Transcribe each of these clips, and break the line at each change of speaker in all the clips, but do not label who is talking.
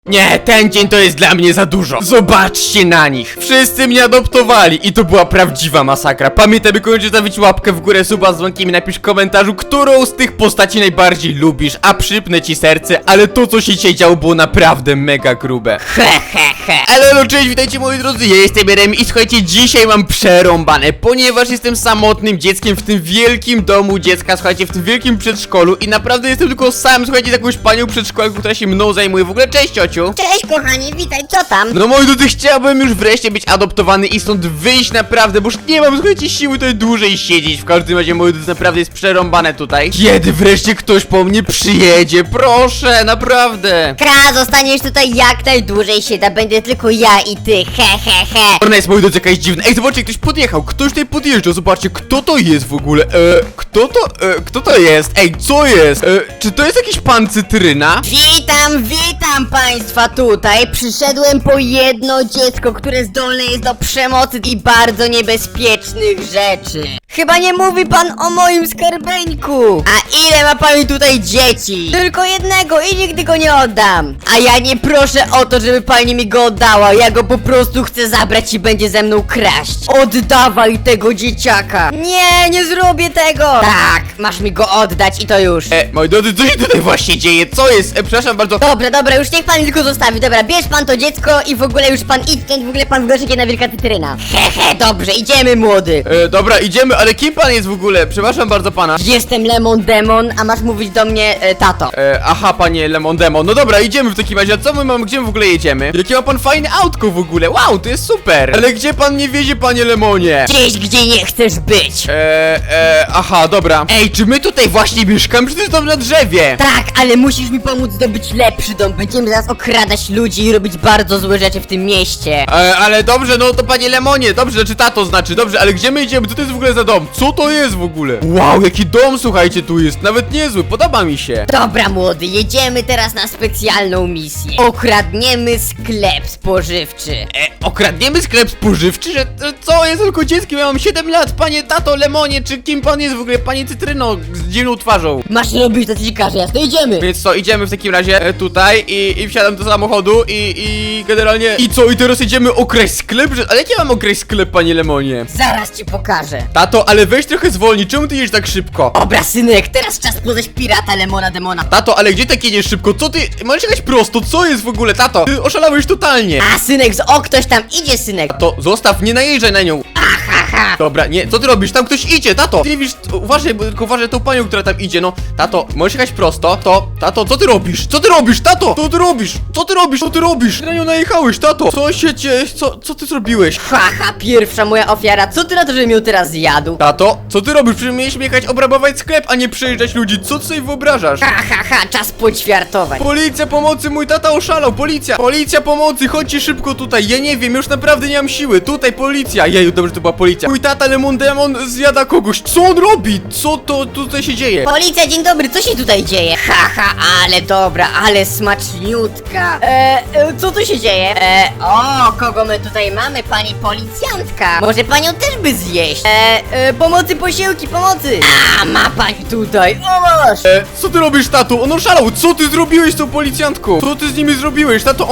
Nie, ten dzień to jest dla mnie za dużo. Zobaczcie na nich. Wszyscy mnie adoptowali i to była prawdziwa masakra. Pamiętaj, by koniecznie zostawić łapkę w górę, suba z dzwonkiem i napisz w komentarzu, którą z tych postaci najbardziej lubisz, a przypnę ci serce, ale to, co się dzisiaj działo, było naprawdę mega grube. Ale cześć, witajcie moi drodzy, ja jestem Jeremy i słuchajcie, dzisiaj mam przerąbane, ponieważ jestem samotnym dzieckiem w tym wielkim domu dziecka, słuchajcie, w tym wielkim przedszkolu i naprawdę jestem tylko sam, słuchajcie, z jakąś panią przedszkolą, która się mną zajmuje. W ogóle cześć, ciociu.
Cześć kochani, witaj, co tam?
No moi drodzy, chciałbym już wreszcie być adoptowany i stąd wyjść naprawdę, bo już nie mam, słuchajcie, siły tutaj dłużej siedzieć. W każdym razie, moi drodzy, naprawdę jest przerąbane tutaj. Kiedy wreszcie ktoś po mnie przyjedzie? Proszę, naprawdę.
Zostaniesz tutaj jak najdłużej się da, będę tylko ja i ty, he.
Ona jest, moi drodzy, jakaś dziwna. Ej, zobaczcie, ktoś podjechał, ktoś tutaj podjeżdża, zobaczcie, kto to jest w ogóle? Kto to jest? Ej, co jest? Czy to jest jakiś pan Cytryna?
Witam państwa tutaj. Przyszedłem po jedno dziecko, które zdolne jest do przemocy i bardzo niebezpiecznych rzeczy. Chyba nie mówi pan o moim skarbeńku. A ile ma pani tutaj dzieci? Tylko jednego i nigdy go nie oddam. A ja nie proszę o to, żeby pani mi go oddała. Ja go po prostu chcę zabrać i będzie ze mną kraść. Oddawaj tego dzieciaka. Nie zrobię tego. Tak, masz mi go oddać i to już.
Moi drodzy, co się tutaj właśnie dzieje? Co jest? Przepraszam bardzo.
Dobra, już niech pan tylko zostawi. Dobra, bierz pan to dziecko i w ogóle już pan idź stąd, w ogóle pan wygląda na wielka cytryna. Dobrze, idziemy młody.
Dobra, idziemy, ale kim pan jest w ogóle? Przepraszam bardzo pana.
Jestem Lemon Demon, a masz mówić do mnie tato.
Aha, panie Lemon Demon. No dobra, idziemy w takim razie. A co my mamy? Gdzie my w ogóle jedziemy? Jakie ma pan fajne autko w ogóle? Wow, to jest super. Ale gdzie pan mnie wiezie, panie Lemonie?
Gdzieś, gdzie nie chcesz być.
Aha, dobra. Ej, czy my tutaj właśnie mieszkamy? Czy to jest dom na drzewie?
Tak, ale musisz mi pomóc zdobyć lepszy dom. Będziemy zaraz okradać ludzi i robić bardzo złe rzeczy w tym mieście.
Ale dobrze, no to panie Lemonie, dobrze, czy tato znaczy, dobrze, ale gdzie my idziemy? Co to jest w ogóle za dom? Co to jest w ogóle? Wow, jaki dom, słuchajcie, tu jest, nawet niezły, podoba mi się.
Dobra młody, jedziemy teraz na specjalną misję. Okradniemy sklep spożywczy.
Okradniemy sklep spożywczy? Że co? Jest tylko dzieckiem, ja mam 7 lat, panie tato Lemonie, czy kim pan jest w ogóle? Panie Cytryno z dziwną twarzą.
Masz robić to, co ci każe, jasno, idziemy.
Więc co, idziemy w takim razie tutaj i wsiadam do samochodu i generalnie... I co, i teraz jedziemy okraść sklep? Ale jak ja mam okraść sklep, panie Lemonie?
Zaraz ci pokażę.
Tato, ale weź trochę zwolnij, czemu ty jedziesz tak szybko?
Dobra synek, teraz czas poznać pirata Lemona Demona.
Tato, ale gdzie tak jedziesz szybko? Co ty? Możesz jechać prosto, co jest w ogóle, tato? Ty oszalałeś totalnie.
A synek, ktoś tam idzie synek.
To zostaw, nie najeżdżaj na nią. Dobra, nie, co ty robisz? Tam ktoś idzie, tato! Ty nie widzisz, uważaj, tylko uważaj tą panią, która tam idzie, no. Tato, możesz jechać prosto, tato, co ty robisz? Co ty robisz, tato? Co ty robisz? Co ty robisz? Co ty robisz? Ty na nią najechałeś, tato! Co się dzieje? Co ty zrobiłeś?
Pierwsza moja ofiara, co ty na to, żebym ją teraz zjadł?
Tato, co ty robisz? Przecież mieliśmy jechać obrabować sklep, a nie przejeżdżać ludzi, co ty sobie wyobrażasz?
Czas poćwiartować.
Policja, pomocy, mój tata oszalał, policja! Policja, pomocy, chodźcie szybko tutaj, ja nie wiem, już naprawdę nie mam siły, tutaj policja! Jeju, dobrze, to była policja. Mój tata Lemon Demon zjada kogoś, co on robi? Co to tutaj się dzieje?
Policja, dzień dobry, co się tutaj dzieje? Ale dobra, ale smaczniutka. Co tu się dzieje? Kogo my tutaj mamy? Pani policjantka. Może panią też by zjeść? Pomocy, posiłki, pomocy. Ma pani tutaj, o masz.
Co ty robisz, tato? On oszalał, co ty zrobiłeś z tą policjantką? Co ty z nimi zrobiłeś, tato?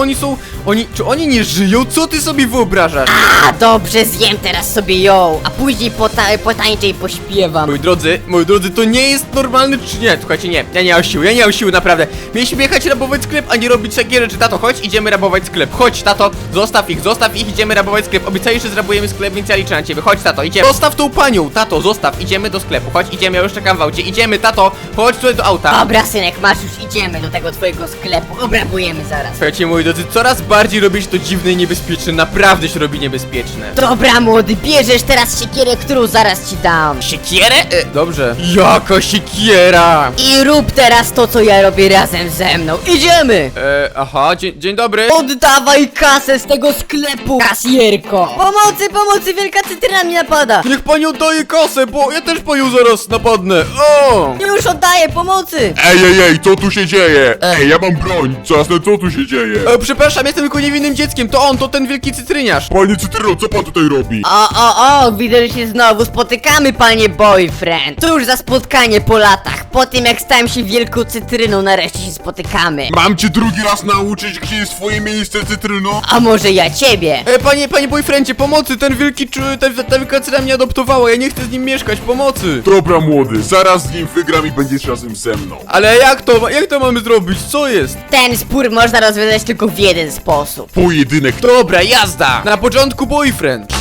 Czy oni nie żyją? Co ty sobie wyobrażasz?
Dobrze, zjem teraz sobie ją, a później potańczę i pośpiewam.
Moi drodzy, to nie jest normalny, czy nie? Słuchajcie, nie, ja nie mam siły, naprawdę. Mieliśmy jechać rabować sklep, a nie robić takie rzeczy. Tato, chodź, idziemy rabować sklep. Chodź, tato, zostaw ich, idziemy rabować sklep. Obiecałeś, że zrabujemy sklep, więc ja liczę na ciebie. Chodź, tato, idziemy. Zostaw tą panią, tato, zostaw, idziemy do sklepu. Chodź, idziemy, ja już czekam w aucie. Idziemy, tato, chodź tutaj do auta.
Dobra, synek, masz, już idziemy do tego twojego sklepu. Obrabujemy zaraz.
Słuchajcie, moi drodzy, coraz bardziej robi się to dziwne i niebezpieczne. Naprawdę się robi niebezpieczne.
Dobra, młody, bierzesz teraz siekierę, którą zaraz ci dam.
Siekierę? Dobrze. Jaka siekiera?
I rób teraz to, co ja robię razem ze mną. Idziemy!
Aha, dzień dobry.
Oddawaj kasę z tego sklepu, kasjerko! Pomocy, wielka cytryna mi napada!
Niech pani oddaje kasę, bo ja też panią zaraz napadnę. O!
Już oddaję, pomocy!
Ej, co tu się dzieje? Ej, ja mam broń, jasne, co tu się dzieje?
Przepraszam, jestem tylko niewinnym dzieckiem, to ten wielki cytryniarz.
Panie Cytryno, co pan tutaj robi?
O, widzę, że się znowu spotykamy, panie boyfriend. Cóż za spotkanie po latach. Po tym jak stałem się wielką cytryną, nareszcie się spotykamy.
Mam cię drugi raz nauczyć, gdzie jest twoje miejsce, cytryno?
A może ja ciebie?
Panie boyfriendzie, pomocy, ten wielki ta wielka cytryna mnie adoptowała, ja nie chcę z nim mieszkać, pomocy.
Dobra, młody, zaraz z nim wygram i będziesz razem ze mną.
Ale jak to mamy zrobić, co jest?
Ten spór można rozwiązać tylko w jeden sposób.
Pojedynek.
Dobra, jazda! Na początku boyfriend.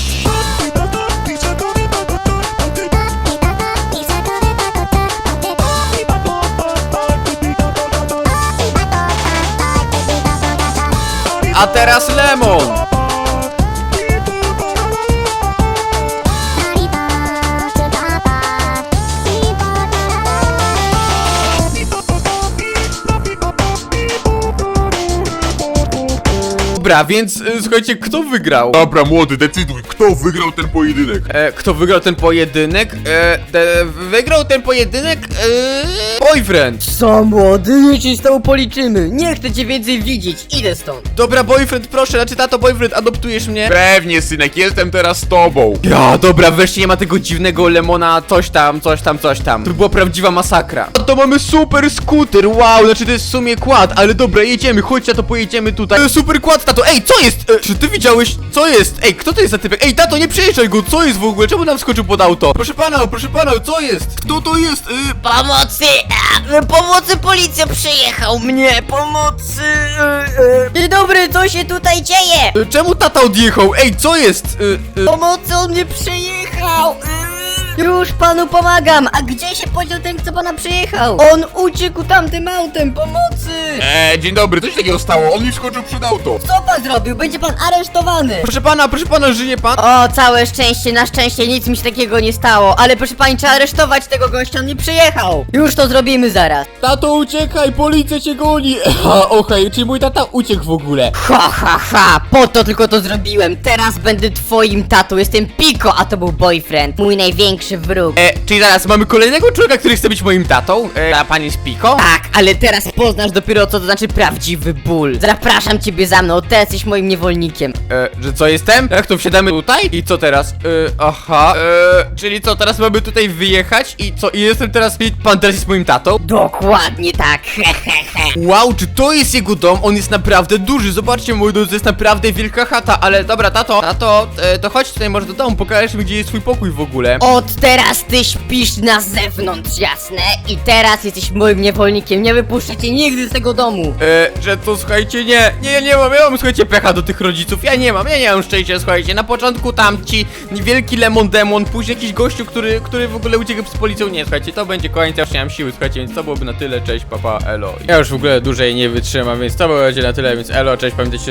A teraz lemon. Dobra, więc słuchajcie, kto wygrał?
Dobra, młody, decyduj, kto wygrał ten pojedynek?
Kto wygrał ten pojedynek? Wygrał ten pojedynek? Boyfriend.
Co, młody? Niech się z tobą policzymy. Nie chcę cię więcej widzieć. Idę stąd.
Dobra, boyfriend, proszę, znaczy tato, boyfriend, adoptujesz mnie?
Pewnie, synek, jestem teraz z tobą.
Ja, dobra, wreszcie nie ma tego dziwnego lemona, coś tam. To była prawdziwa masakra. A to mamy super skuter, wow, znaczy to jest w sumie quad, ale dobra, jedziemy, chodźcie, to pojedziemy tutaj. Super quad, tato, ej, co jest? Czy ty widziałeś, co jest? Ej, kto to jest za typek? Ej, tato, nie przejeżdżaj go, co jest w ogóle? Czemu nam skoczył pod auto? Proszę pana, co jest? Kto to jest?
Pomocy! Pomocy, policja przyjechał mnie! Pomocy! Dzień dobry, co się tutaj dzieje?
Czemu tata odjechał? Ej, co jest?
Pomocy, on mnie przyjechał! Już panu pomagam! A gdzie się podział ten, co pana przyjechał? On uciekł tamtym autem! Pomocy!
Dzień dobry, co się takiego stało? On mi wskoczył przed auto.
Co pan zrobił? Będzie pan aresztowany!
Proszę pana, żyje pan?
O, całe szczęście, na szczęście nic mi się takiego nie stało, ale proszę pani, trzeba aresztować tego gościa, on nie przyjechał! Już to zrobimy zaraz!
Tato, uciekaj, policja cię goni! Okej, czyli mój tata uciekł w ogóle.
Ha, po to tylko to zrobiłem. Teraz będę twoim tatą. Jestem Piko, a to był boyfriend. Mój największy wróg.
Czyli zaraz mamy kolejnego człowieka, który chce być moim tatą? A pan jest Piko?
Tak, ale teraz poznasz dopiero co to znaczy prawdziwy ból. Zapraszam ciebie za mną, ty jesteś moim niewolnikiem.
Że co jestem? Jak to wsiadamy tutaj? I co teraz? Czyli co, teraz mamy tutaj wyjechać? I co, i jestem teraz, i pan teraz jest moim tatą?
Dokładnie tak, hehehe.
Wow, czy to jest jego dom? On jest naprawdę duży, zobaczcie, mój dom, to jest naprawdę wielka chata, ale dobra, tato, to chodź tutaj może do domu, pokażesz mi, gdzie jest twój pokój w ogóle.
Od teraz ty śpisz na zewnątrz, jasne? I teraz jesteś moim niewolnikiem, nie wypuszczę cię nigdy z tego domu.
Że to, słuchajcie, nie mam, słuchajcie, pecha do tych rodziców, ja nie mam szczęścia, słuchajcie, na początku tamci, wielki lemon demon, później jakiś gościu, który w ogóle uciekł z policją, nie, słuchajcie, to będzie koniec, ja już nie mam siły, słuchajcie, więc to byłoby na tyle, cześć, papa, elo. Ja już w ogóle dłużej nie wytrzymam, więc to będzie na tyle, więc elo, cześć, pamiętajcie,